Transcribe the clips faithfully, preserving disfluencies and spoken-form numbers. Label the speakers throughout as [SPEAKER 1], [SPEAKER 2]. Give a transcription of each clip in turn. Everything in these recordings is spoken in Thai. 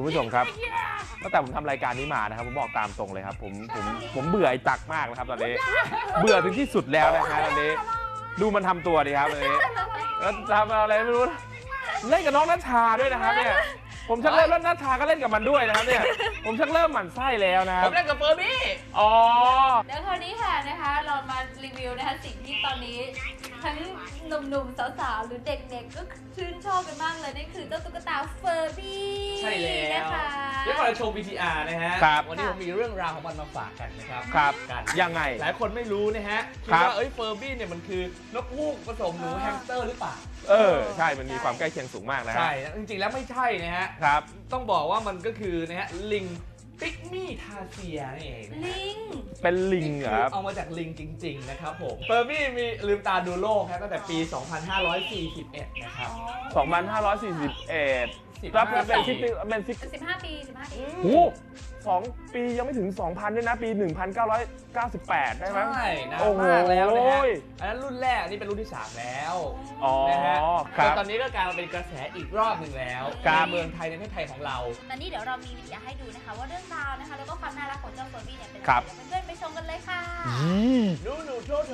[SPEAKER 1] คุณผู้ชมครับตั้งแต่ผมทำรายการนี้มานะครับผมบอกตามตรงเลยครับผมผมผมเบื่อไอ้จักรมากนะครับตอนนี้เบื่อถึงที่สุดแล้วนะฮะตอนนี้ดูมันทำตัวดีครับตอนนี้แล้วทำอะไรไม่รู้เล่นกับน้องนัชชาด้วยนะครับเนี่ยผมชักเริ่มแล้วนัชชาก็เล่นกับมันด้วยนะครับเนี่ยผมชักเริ่มหมั่นไส้แล้วนะครับ
[SPEAKER 2] ผมเล่นกับเฟอร์บี้
[SPEAKER 1] อ๋อ
[SPEAKER 3] เดี๋ยวคราวนี้ค่ะนะคะเรามารีวิวนะคะสิ่งที่ตอนนี้ทั้งหนุ่มๆสาวๆหรือเด็กๆก็ชื่นชอบกันมากเลยนั่นคือเจ้าตุ๊กตาเฟอร์บี้
[SPEAKER 2] ใช่แล้วนะคะเดี๋ยวเราโชว์ วี ที อาร์ นะฮะวันนี้ผมมีเรื่องราวของมันมาฝากกันนะครับ
[SPEAKER 1] ครับกันยังไง
[SPEAKER 2] หลายคนไม่รู้นะฮะคิดว่าเอ้ยเฟอร์บี้เนี่ยมันคือนกฮูกผสมหนูแฮมสเตอร์หรือเปล่า
[SPEAKER 1] เออใช่มันมีความใกล้เคียงสูงมากนะ
[SPEAKER 2] ใช่จริงๆแล้วไม่ใช่นะฮะ
[SPEAKER 1] ครับ
[SPEAKER 2] ต้องบอกว่ามันก็คือนะฮะลิงปิกมี่ทาเซียนี่เอง
[SPEAKER 3] ลิง
[SPEAKER 1] เป็นลิงครับ
[SPEAKER 2] เอามาจากลิงจริงๆนะครับผมเฟอร์บี้มีลืมตาดูโลกครับตั้งแต่ปี สองพันห้าร้อยสี่สิบเอ็ด นะครับ
[SPEAKER 1] สองพันห้าร้อยสี่สิบเอ็ด รับเป็นสิบเป็นสิบ
[SPEAKER 3] สิบห้าปีสิบห้าปี
[SPEAKER 1] โอ้สองปียังไม่ถึง สองพัน ด้วยนะปี หนึ่งพันเก้าร้อยเก้าสิบแปด ได้ไหม
[SPEAKER 2] ใช่นานมากแล้วนะฮะอันนั้นรุ่นแรกนี่เป็นรุ่นที่สามแล้วนะฮะแต่ตอนนี้ก็กลายมาเป็นกระแสอีกรอบหนึ่งแล้วการเมืองไทยในประเทศไทยของเรา
[SPEAKER 3] ตอนนี้เดี๋ยวเรามีวิดีโอให้ดูนะคะว่าเรื่องราวนะคะแล้วก็ความน่ารักของเจ้าเฟอร์บี้เนี่ยเป็น
[SPEAKER 1] อะไร
[SPEAKER 3] เพื่อนๆไปชมกันเลยค่ะ
[SPEAKER 2] นูนูโทโท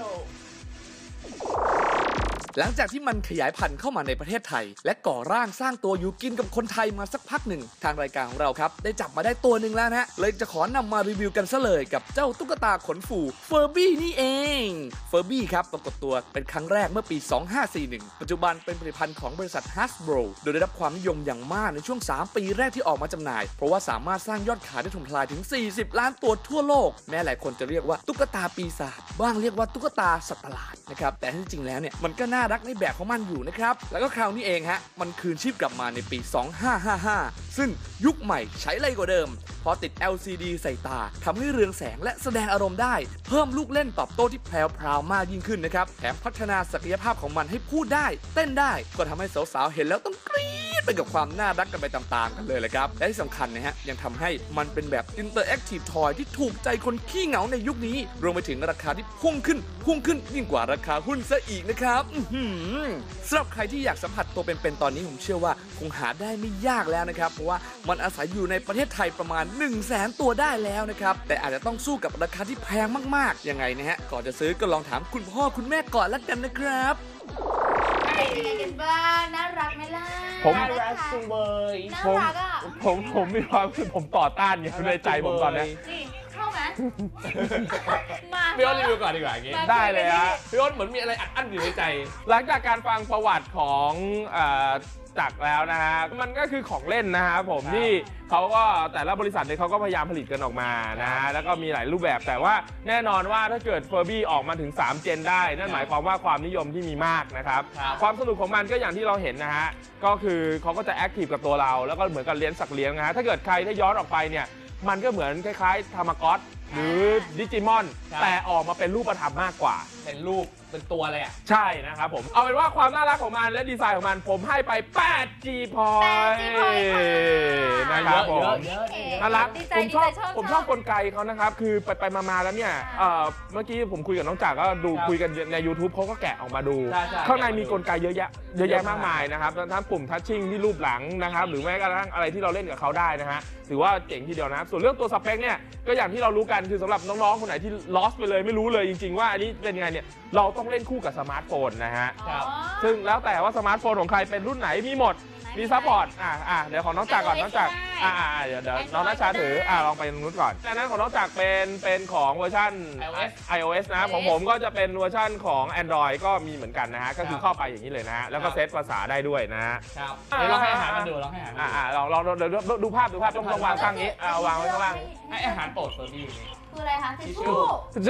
[SPEAKER 4] หลังจากที่มันขยายพันธุ์เข้ามาในประเทศไทยและก่อร่างสร้างตัวอยู่กินกับคนไทยมาสักพักหนึ่งทางรายการของเราครับได้จับมาได้ตัวหนึ่งแล้วนะเลยจะขอนำมารีวิวกันซะเลยกับเจ้าตุ๊กตาขนฟูเฟอร์บี้นี่เองเฟอร์บี้ครับปรากฏตัวเป็นครั้งแรกเมื่อปีสองพันห้าร้อยสี่สิบเอ็ดปัจจุบันเป็นผลิตภัณฑ์ของบริษัท Hasbro โดยได้รับความนิยมอย่างมากในช่วงสามปีแรกที่ออกมาจำหน่ายเพราะว่าสามารถสร้างยอดขายได้ถล่มทลายถึงสี่สิบล้านตัวทั่วโลกแม้หลายคนจะเรียกว่าตุ๊กตาปีศาจบ้างเรียกว่าตุ๊กตาสัตว์ประหลาดนะครับแต่ที่จริงแล้วเนี่ยมันก็น่ารักในแบบของมันอยู่นะครับแล้วก็คราวนี้เองฮะมันคืนชีพกลับมาในปี สองพันห้าร้อยห้าสิบห้า ซึ่งยุคใหม่ใช้ไรกว่าเดิมพอติด แอล ซี ดี ใส่ตาทำให้เรืองแสงและแสดงอารมณ์ได้เพิ่มลูกเล่นตอบโต้ที่แพรวๆมากยิ่งขึ้นนะครับแถมพัฒนาศักยภาพของมันให้พูดได้เต้นได้ก็ทำให้สาวๆเห็นแล้วต้องกรี๊ดไปกับความน่ารักกันไปตามๆกันเลยแหละครับและที่สำคัญนะฮะยังทำให้มันเป็นแบบอินเตอร์แอคทีฟทอยที่ถูกใจคนขี้เหงาในยุคนี้รวมไปถึงราคาที่พุ่งขึ้นพุ่งขึ้นยิ่งกว่าราคาหุ้นซะอีกนะครับสำหรับใครที่อยากสัมผัสตัวเป็นๆตอนนี้ผมเชื่อว่าคงหาได้ไม่ยากแล้วนะครับเพราะว่ามันอาศัยอยู่ในประเทศไทยประมาณ หนึ่งแสน ตัวได้แล้วนะครับแต่อาจจะต้องสู้กับราคาที่แพงมากๆยังไงนะฮะก่อนจะซื้อก็ลองถามคุณพ่อคุณแม่ก่อนละกันนะครับ
[SPEAKER 3] เป็นยังไงกันบ้างน่ารักไหมล่ะ
[SPEAKER 1] ผม
[SPEAKER 2] น่ารักสุดเลย
[SPEAKER 3] น่ารักอ่ะ
[SPEAKER 1] ผมผมมีความคือผมต่อต้านอยู่ในใจผมตอนนี้
[SPEAKER 3] เข้าไหม
[SPEAKER 2] มาพี่อ้นรีวิวก่อนดีกว่าอย่างงี้
[SPEAKER 1] ได้เลยฮะ
[SPEAKER 2] พี่อ้นเหมือนมีอะไรอัดอั้นอยู่ในใจ
[SPEAKER 1] หลังจากการฟังประวัติของจักรแล้วนะฮะมันก็คือของเล่นนะฮะผมที่เขาก็แต่ละบริษัทเนี่ยเขาก็พยายามผลิตกันออกมานะฮะแล้วก็มีหลายรูปแบบแต่ว่าแน่นอนว่าถ้าเกิดเฟอร์บี้ออกมาถึงสามเจนได้นั่นหมายความว่าความนิยมที่มีมากนะครับความสนุกของมันก็อย่างที่เราเห็นนะฮะก็คือเขาก็จะแอคทีฟกับตัวเราแล้วก็เหมือนกับเลี้ยงสัตว์เลี้ยงนะฮะถ้าเกิดใครได้ย้อนออกไปเนี่ยมันก็เหมือนคล้ายๆทามากอตหรือดิจิมอนแต่ออกมาเป็นรูปธรรมมากกว่า
[SPEAKER 2] เป็นรูปเป็นตัวเลยอ่ะ
[SPEAKER 1] ใช่นะครับผมเอาเป็นว่าความน่ารักของมันและดีไซน์ของมันผมให้ไปแปด จี point นะครับผมน่ารักผมชอบผมชอบกลไกเขานะครับคือไปไปมาๆแล้วเนี่ยเมื่อกี้ผมคุยกับน้องจ๋าก็ดูคุยกันใน YouTube เขาก็แกะออกมาดูข้างในมีกลไกเยอะแยะเยอะแยะมากมายนะครับทั้งปุ่มทัชชิ่งที่รูปหลังนะครับหรือแม้กระทั่งอะไรที่เราเล่นกับเขาได้นะฮะถือว่าเจ๋งทีเดียวนะส่วนเรื่องตัวสเปคเนี่ยก็อย่างที่เรารู้กันคือสำหรับน้องๆคนไหนที่ lost ไปเลยไม่รู้เลยจริงๆว่าอันนี้เป็นยังไงเนี่ยเราต้องเล่นคู่กับสมาร์ทโฟนนะฮะซึ่งแล้วแต่ว่าสมาร์ทโฟนของใครเป็นรุ่นไหนมีหมดมีซัพพอร์ตอ่าอ่าเดี๋ยวของน้องจักรก่อนน้องจักรอ่าอ่าเดี๋ยวเดี๋ยวน้องนัชชาถืออ่าลองไปตรงนู้นก่อนจากนั้นของน้องจักรเป็นเป็นของเวอร์ชัน ไอ โอ เอส นะของผมก็จะเป็นเวอร์ชันของ Android ก็มีเหมือนกันนะฮะก็คือเข้าไปอย่างนี้เลยนะฮะแล้วก็เซตภาษาได้ด้วยนะฮะ
[SPEAKER 2] ครับเดี๋ยวเราให้อาหารมันดูเราให้อาหาร
[SPEAKER 1] อ่าอ่าลองลองเดี๋ยวดูภาพดูภาพต้องวางข้างนี้อ่าวางไว้ข้างล่าง
[SPEAKER 2] ให้อาหารโปรดเฟอร์บี้
[SPEAKER 3] คืออะไรคะทิชชู่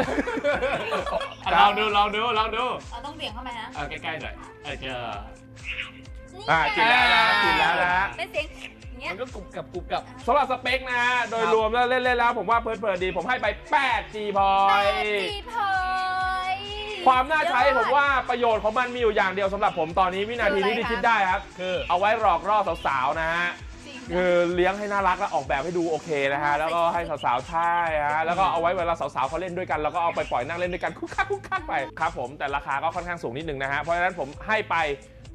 [SPEAKER 2] ลองดูลองดูลองดู
[SPEAKER 3] เราต้องเบี่ยงเข้าไปนะ
[SPEAKER 2] เออใกล้ๆหน่อยเออเจอ
[SPEAKER 1] อ่ากินแล้วนะกินแล้วนะ
[SPEAKER 3] เป็นเสียงอย่างเงี้ย
[SPEAKER 2] มันก็กรุบกับกรุบกับ
[SPEAKER 1] สำหรับสเปคนะฮะโดยรวมแล้วเล่นๆแล้วผมว่าเพลินๆดีผมให้ไปแปด จี point ความน่าใช้ผมว่าประโยชน์ของมันมีอยู่อย่างเดียวสำหรับผมตอนนี้วินาทีนี้ที่คิดได้ครับคือเอาไว้หลอกล่อสาวๆนะฮะคือเลี้ยงให้น่ารักและออกแบบให้ดูโอเคนะฮะแล้วก็ให้สาวๆใช่ฮะแล้วก็เอาไว้เวลาสาวๆเขาเล่นด้วยกันแล้วก็เอาไปปล่อยนั่งเล่นด้วยกันคุกคักคุกคักไปครับผมแต่ราคาก็ค่อนข้างสูงนิดนึงนะฮะเพราะฉะนั้นผมให้ไป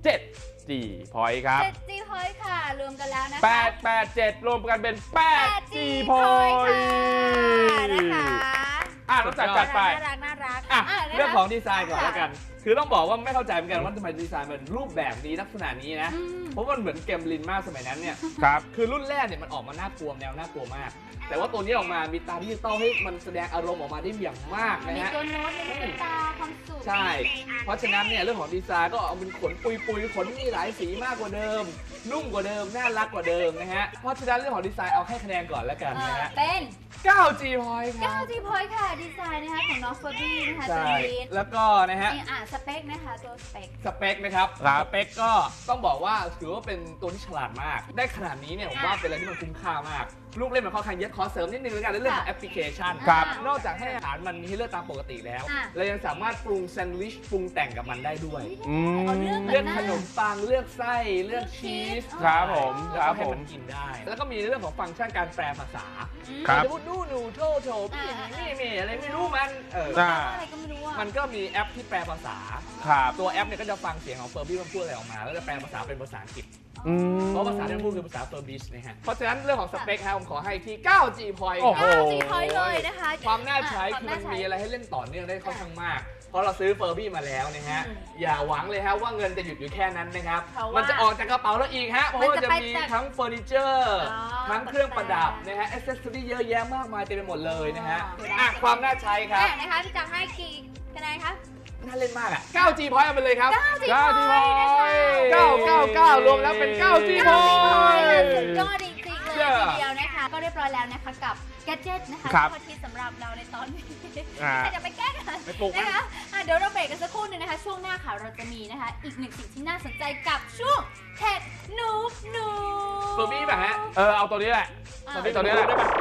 [SPEAKER 1] เจ็ด จี point ครับ
[SPEAKER 3] เจ็ด จี point ค่ะรวมกันแล้วนะคะ
[SPEAKER 1] แปด แปด เจ็ด รวมกันเป็น แปด จี
[SPEAKER 3] พอย
[SPEAKER 1] point
[SPEAKER 3] ค่ะนะคะ
[SPEAKER 1] อ่ะต้องจัดจัดไป
[SPEAKER 3] น่ารักน่ารัก
[SPEAKER 2] อ่ะ
[SPEAKER 3] อ่ะนะคะ
[SPEAKER 2] เรื่องของดีไซน์ก่อนแล้วกัน คือต้องบอกว่าไม่เข้าใจเหมือนกันว่าทำไมดีไซน์มันรูปแบบนี้ลักษณะนี้นะ
[SPEAKER 3] อืม
[SPEAKER 2] เพราะมันเหมือนเกมลินมากสมัยนั้นเนี่ย
[SPEAKER 1] ครับ
[SPEAKER 2] คือรุ่นแรกเนี่ยมันออกมาน่ากลัวแนวน่ากลัวมาก แต่ว่าตัวนี้ออกมามีตาดิจิตอลให้มันแสดงอารมณ์ออกมาได้อย่างมากนะ
[SPEAKER 3] มี
[SPEAKER 2] ฮะ
[SPEAKER 3] ตัวโน้ตมีลูกตาความสุข
[SPEAKER 2] ใช่ เพราะฉะนั้นเนี่ยเรื่องของดีไซน์ก็เอาเป็นขนปุยปุยๆขนมีหลายสีมากกว่าเดิม นุ่มกว่าเดิม น่ารักกว่าเดิมนะฮะ เพราะฉะนั้นเรื่องของดีไซน์เอาให้คะแนนก่อนแล้วกัน
[SPEAKER 3] เอ
[SPEAKER 2] นะ
[SPEAKER 3] อ
[SPEAKER 2] ฮะ
[SPEAKER 3] เป็น
[SPEAKER 2] เก้า จี point ครั
[SPEAKER 3] เก้า
[SPEAKER 2] บ
[SPEAKER 3] จี point ค่ะดีไซน์นะคะของน้องเฟอร์บี้นะคะตัว
[SPEAKER 2] ใช่
[SPEAKER 3] นี้
[SPEAKER 2] แล้วก็นะฮะ
[SPEAKER 3] นี่อ่ะสเปคนะคะตัวสเปค
[SPEAKER 2] สเปคนะครับ
[SPEAKER 1] ครับ
[SPEAKER 2] สเปคก็ต้องบอกว่าถือว่าเป็นตัวที่ฉลาดมาก ได้ขนาดนี้เนี่ยผมว่าเป็นอะไรที่มันคุ้มค่ามาก ลูกเล่นมันค่อนข้างเยอะขอเสริมนิดนึงแล้วกันในเรื่องของ
[SPEAKER 3] ค่ะ
[SPEAKER 2] แอปพลิเคชัน
[SPEAKER 3] ครับ
[SPEAKER 2] นอกจากให้อาหารมันมีให้เลือกตามปกติแล้ว
[SPEAKER 3] อ่ะ
[SPEAKER 2] เรายังสามารถปรุงแซนด์วิชปรุงแต่งกับมันได้ด้วย
[SPEAKER 1] อืม
[SPEAKER 3] เอาเรื่อง
[SPEAKER 2] เลือกขนมปังเลือกไส้เลือกชีส
[SPEAKER 1] ครับผม
[SPEAKER 2] แล้ว
[SPEAKER 1] ครั
[SPEAKER 2] ก็
[SPEAKER 1] บ
[SPEAKER 2] ให้
[SPEAKER 1] ผ
[SPEAKER 2] มั
[SPEAKER 1] ม
[SPEAKER 2] นกินได้ แล้วก็มีเรื่องของฟังก์ชันการแปลภาษา
[SPEAKER 1] ครับ
[SPEAKER 2] สมมติดูหนูโทโถพี่นี่มีอะไรไม่รู้มันเออ
[SPEAKER 1] อ่า
[SPEAKER 3] อะไรก็ไม่รู้อ่ะ
[SPEAKER 2] มันก็มีแอปที่แปลภาษา
[SPEAKER 1] ครับ
[SPEAKER 2] ตัวแอปเนี่ยก็จะฟังเสียงของเฟอร์บี้มันพูดอะไรออกมา แล้วจะแปลภาษาเป็นภาษาอังกฤษ
[SPEAKER 1] อืม
[SPEAKER 2] เพราะภาษาที่มันพูดคือภาษาเฟอร์บิชนะฮะ เพราะฉะนั้นเรื่องของสเปคครับผมขอให้ที่ เก้า จี point
[SPEAKER 1] โอ้
[SPEAKER 2] ค
[SPEAKER 1] โห
[SPEAKER 2] รับ
[SPEAKER 3] เก้าจี point เลยนะคะ
[SPEAKER 2] ความน่าใช้
[SPEAKER 3] ะ
[SPEAKER 2] คือมัน
[SPEAKER 3] วาาใช้
[SPEAKER 2] มีอะไรให้เล่นต่อเนื่องได้ค่อนข้างมาก เพราะเราซื้อเฟอร์บี้มาแล้วนะฮะ
[SPEAKER 3] อืม
[SPEAKER 2] อย่าหวังเลยฮะว่าเงินจะหยุดอยู่แค่นั้นนะครับ
[SPEAKER 3] เพราะว่ามั
[SPEAKER 2] มันจะออกจากกระเป๋าเราอีกฮะ เพราะว่า
[SPEAKER 3] มันจะ
[SPEAKER 2] จะ
[SPEAKER 3] ไป
[SPEAKER 2] มี
[SPEAKER 3] จาก
[SPEAKER 2] ทั้งเฟอร์นิเจอร์
[SPEAKER 3] อ๋อ
[SPEAKER 2] ทั้งเครื่องประดับ
[SPEAKER 3] ตกแต่ง
[SPEAKER 2] นะฮะอ c เซสซอรี่เยอะแยะมากมายเต็มไปหมดเลยนะฮะ
[SPEAKER 3] อ๋อ
[SPEAKER 2] อ่ะความน่าใช้ครับ
[SPEAKER 3] อ่ะนะคะพี่จักรให้กี่คะแนนคะ
[SPEAKER 2] น่าเล่นมากอ่ะ เก้า จี point เอาไปเลยครับ
[SPEAKER 3] เก้าจี
[SPEAKER 1] เก้า จี
[SPEAKER 3] point นะคะ
[SPEAKER 1] point
[SPEAKER 2] เก้า เก้า เก้ารวมแล้วเป็น เก้า จี
[SPEAKER 3] เก้าจี point
[SPEAKER 2] point
[SPEAKER 3] ค่ะสุดยอดจริงๆเลย
[SPEAKER 2] เย้
[SPEAKER 3] ทีเดียวนะคะ ก็เรียบร้อยแล้วนะคะกับแกดเจ็ตนะคะ
[SPEAKER 1] ครับ
[SPEAKER 3] ข้อที่สำหรับเราในตอนนี้
[SPEAKER 1] อ่า
[SPEAKER 3] แต่จะไปแก้กัน
[SPEAKER 2] ไปปลุกมัน
[SPEAKER 3] นะคะอ่ะเดี๋ยวเราเบรกกันสักครู่หนึงนะคะ ช่วงหน้าค่ะเราจะมีนะคะ อีกหนึ่งสิ่งที่น่าสนใจกับช่วงเทคนูบนู
[SPEAKER 2] เฟอร์บี้ป่ะฮะ
[SPEAKER 1] เออ เอาตัวนี้แหละ
[SPEAKER 3] อ่ะ
[SPEAKER 1] ไอ้ตัวนี้แหละ
[SPEAKER 2] ได้ปะ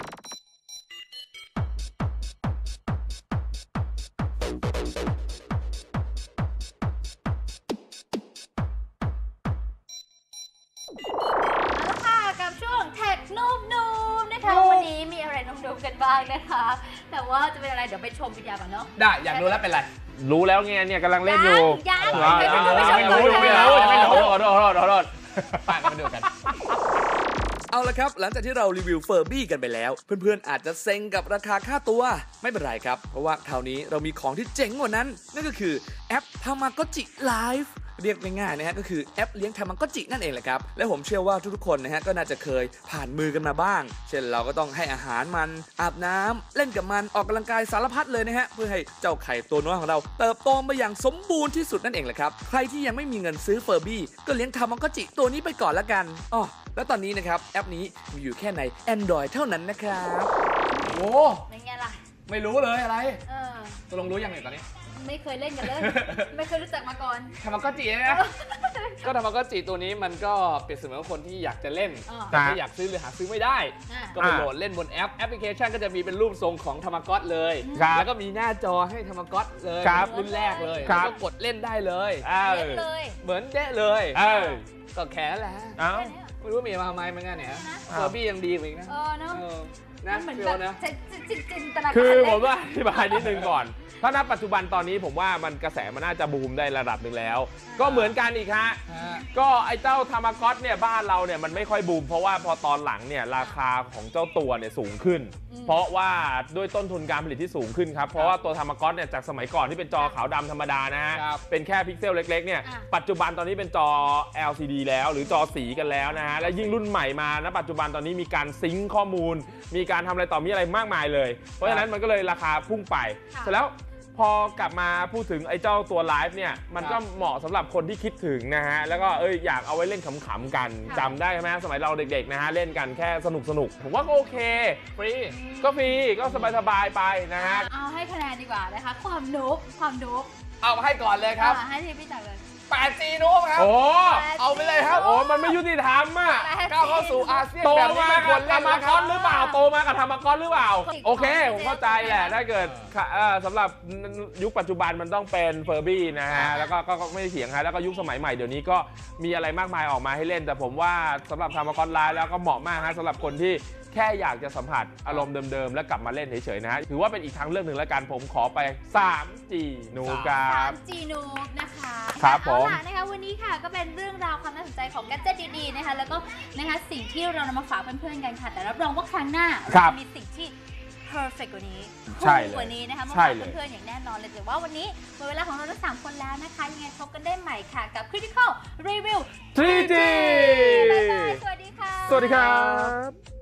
[SPEAKER 3] เอาละค่ะกับช่วงเทคนูบนูบนะคะวันนี้มีอะไรนุ่มๆกันบ้างนะคะ แต่ว่าจะเป็นอะไรเดี๋ยวไปชมวิดีโอก่อนเนาะ
[SPEAKER 2] ได้ อยากรู้แล้วเป็นไร
[SPEAKER 1] รู้แล้วไงเนี่ยกำลังเล่นอยู่
[SPEAKER 3] ยัง
[SPEAKER 1] อ่า
[SPEAKER 3] ยัง
[SPEAKER 1] ยัง
[SPEAKER 3] ไม่
[SPEAKER 1] ไม่
[SPEAKER 3] รู้
[SPEAKER 1] รู้
[SPEAKER 3] ไม่
[SPEAKER 1] ยัง
[SPEAKER 3] รู้
[SPEAKER 1] ไม่รู้ยังไม่รู้
[SPEAKER 2] ไม่รู้
[SPEAKER 1] ขอโทษขอโทษขอโทษ
[SPEAKER 2] ไปมาดูกัน
[SPEAKER 4] เอาละครับ หลังจากที่เรารีวิวเฟอร์บี้กันไปแล้ว เพื่อนๆอาจจะเซ็งกับราคาค่าตัว ไม่เป็นไรครับ เพราะว่าคราวนี้เรามีของที่เจ๋งกว่านั้น นั่นก็คือแอป Tamagotchi Live เรียกง่ายๆนะฮะก็คือแอปเลี้ยงทามาโกจินั่นเองแหละครับและผมเชื่อว่าทุกๆคนนะฮะก็น่าจะเคยผ่านมือกันมาบ้าง เช่นเราก็ต้องให้อาหารมันอาบน้ำเล่นกับมันออกกำลังกายสารพัดเลยนะฮะเพื่อให้เจ้าไข่ตัวน้อยของเราเติบโตมาอย่างสมบูรณ์ที่สุดนั่นเองแหละครับใครที่ยังไม่มีเงินซื้อเฟอร์บี้ก็เลี้ยงทามาโกจิตัวนี้ไปก่อนละกันอ๋อแล้วตอนนี้นะครับแอปนี้มีอยู่แค่ใน Android เท่านั้นนะครับ
[SPEAKER 2] โอ้
[SPEAKER 3] เป็นไงล่ะ
[SPEAKER 2] ไม่รู้เลยอะไร
[SPEAKER 3] เออ
[SPEAKER 2] ตกลงรู้ยังไงตอนนี้
[SPEAKER 3] ไม่เคยเล่นกันเลย ไม่เคยรู้จักมาก่อน
[SPEAKER 2] ทามาโกจินะ ก็ทามาโกจิตัวนี้มันก็เปรียบเสมือนคนที่อยากจะเล่น
[SPEAKER 3] อ่า
[SPEAKER 2] แต่ไม่อยากซื้อหรือหาซื้อไม่ได้
[SPEAKER 3] อ่ะ
[SPEAKER 2] ก็ไปโหลดเล่นบนแอปแอปพลิเคชันก็จะมีเป็นรูปทรงของทามากอตเลย
[SPEAKER 1] ครับ
[SPEAKER 2] แล้วก็มีหน้าจอให้ทามากอตเลย
[SPEAKER 1] ครับ
[SPEAKER 2] รุ่นแรกเลย
[SPEAKER 1] ครั
[SPEAKER 2] แล้ว
[SPEAKER 1] บ
[SPEAKER 2] ก็กดเล่นได้เลย
[SPEAKER 1] เออ
[SPEAKER 3] เล่นเลย
[SPEAKER 2] เหมือนเด้เลย
[SPEAKER 1] เออ
[SPEAKER 2] ก็แค่นั้นแหละ
[SPEAKER 1] เอ้า
[SPEAKER 2] ไม่รู้มีมาทำไมเหมือนกันเนี่ย
[SPEAKER 3] นะ
[SPEAKER 2] เฟอร์บี้ยังดีกว่าอีกนะ
[SPEAKER 3] เออเนาะ
[SPEAKER 2] เออนะ
[SPEAKER 3] มันเหมือน
[SPEAKER 2] ฟิ
[SPEAKER 3] แบ
[SPEAKER 2] ล
[SPEAKER 3] บ
[SPEAKER 2] นะ
[SPEAKER 3] จะจินจินตนาการ
[SPEAKER 1] คือ
[SPEAKER 3] เล่น
[SPEAKER 1] ผมว่าอธิบายนิดนึงก่อน ถ้าณปัจจุบันตอนนี้ผมว่ามันกระแสมันน่าจะบูมได้ระดับหนึ่งแล้ว ก็เหมือนกันอีกฮะ
[SPEAKER 2] ฮะ
[SPEAKER 1] ก็ไอ้เจ้าทามากอตเนี่ยบ้านเราเนี่ยมันไม่ค่อยบูมเพราะว่าพอตอนหลังเนี่ยราคาของเจ้าตัวเนี่ยสูงขึ้น เพราะว่าด้วยต้นทุนการผลิตที่สูงขึ้นครับ เพราะว่าตัวทามากอตเนี่ยจากสมัยก่อนที่เป็นจอขาวดำธรรมดานะฮะ
[SPEAKER 2] ครับ
[SPEAKER 1] เป็นแค่พิกเซลเล็กๆเนี่ยปัจจุบันตอนนี้เป็นจอ แอล ซี ดี แล้วหรือจอสีกันแล้วนะฮะและยิ่งรุ่นใหม่มาณปัจจุบันตอนนี้มีการซิงค์ข้อมูล มีการทำอะไรต่อมีอะไรมากมายเลย เพราะฉะนั้นมันก็เลยราคาพุ่งไปเสร็จแล้วพอกลับมาพูดถึงไอ้เจ้าตัวไลฟ์เนี่ยมันก็เหมาะสำหรับคนที่คิดถึงนะฮะแล้วก็เอ้ยอยากเอาไว้เล่นขำๆกันจำได้ไหมสมัยเราเด็กๆนะฮะเล่นกันแค่สนุกๆผมว่าก็โอเค
[SPEAKER 2] ฟรี
[SPEAKER 1] ก็ฟรีก็สบายๆไปนะฮะ
[SPEAKER 3] เอาให้คะแนนดีกว่านะคะ ความนุ๊กความนุ๊ก
[SPEAKER 2] เอามาให้ก่อนเลยครับ
[SPEAKER 3] อ่ะให้ที่พี่จักรเลย
[SPEAKER 2] แปด จี นูบครับ
[SPEAKER 1] โอ้
[SPEAKER 2] เอาไปเลยครับ
[SPEAKER 1] โอ้มันไม่ยุติธรรมอ่ะ
[SPEAKER 2] ก้าวเข้าสู่อาเซียน
[SPEAKER 1] โต
[SPEAKER 2] แบบนี้
[SPEAKER 1] มา
[SPEAKER 2] ไม่คว
[SPEAKER 1] กั
[SPEAKER 2] ร
[SPEAKER 1] บ
[SPEAKER 2] เล่
[SPEAKER 1] ธร
[SPEAKER 2] น
[SPEAKER 1] รม
[SPEAKER 2] นะค
[SPEAKER 1] ก
[SPEAKER 2] รับ
[SPEAKER 1] รหรือเปล่าโตมากับธรรมกรหรือเปล่าโอเคผมเข้าใจแหละถ้าเกิดเอ่อสำหรับยุคปัจจุบันมันต้องเป็นเฟอร์บี้นะฮะแล้วก็ก็ก็ไม่เถียงฮะแล้วก็ยุคสมัยใหม่เดี๋ยวนี้ก็มีอะไรมากมายออกมาให้เล่น แต่ผมว่าสำหรับธรรมกรไลน์แล้วก็เหมาะมากฮะสำหรับคนที่แค่อยากจะสัมผัสอารมณ์เดิมๆแล้วกลับมาเล่นเฉยๆนะฮะถือว่าเป็นอีกทางเลือกหนึ่งแล้วกันผมขอไป ทรีจี นูบครับ
[SPEAKER 3] ทรีจี นูบนะคะ
[SPEAKER 1] ครับผม
[SPEAKER 3] เอาล่ะนะคะวันนี้ค่ะก็เป็นเรื่องราวความน่าสนใจของแกดเจ็ตดีๆนะคะแล้วก็นะคะสิ่งที่เรานำมาฝากเพื่อนๆกันค่ะแต่รับรองว่าครั้งหน้าเราจะมีสิ่งที่ perfect กว่านี้
[SPEAKER 1] ใช่เลย
[SPEAKER 3] กว่านี้นะคะมา
[SPEAKER 1] ใช่
[SPEAKER 3] ฝาก
[SPEAKER 1] เลย
[SPEAKER 3] เพื่อนๆอย่างแน่นอนเลยแต่ว่าวันนี้หมดเวลาของเราทั้งสามคนแล้วนะคะยังไงพบกันได้ใหม่ค่ะกับ Critical Review
[SPEAKER 1] ทรีจี
[SPEAKER 3] บ๊ายบายสวัสดีค่ะ
[SPEAKER 1] สวัสดีครับ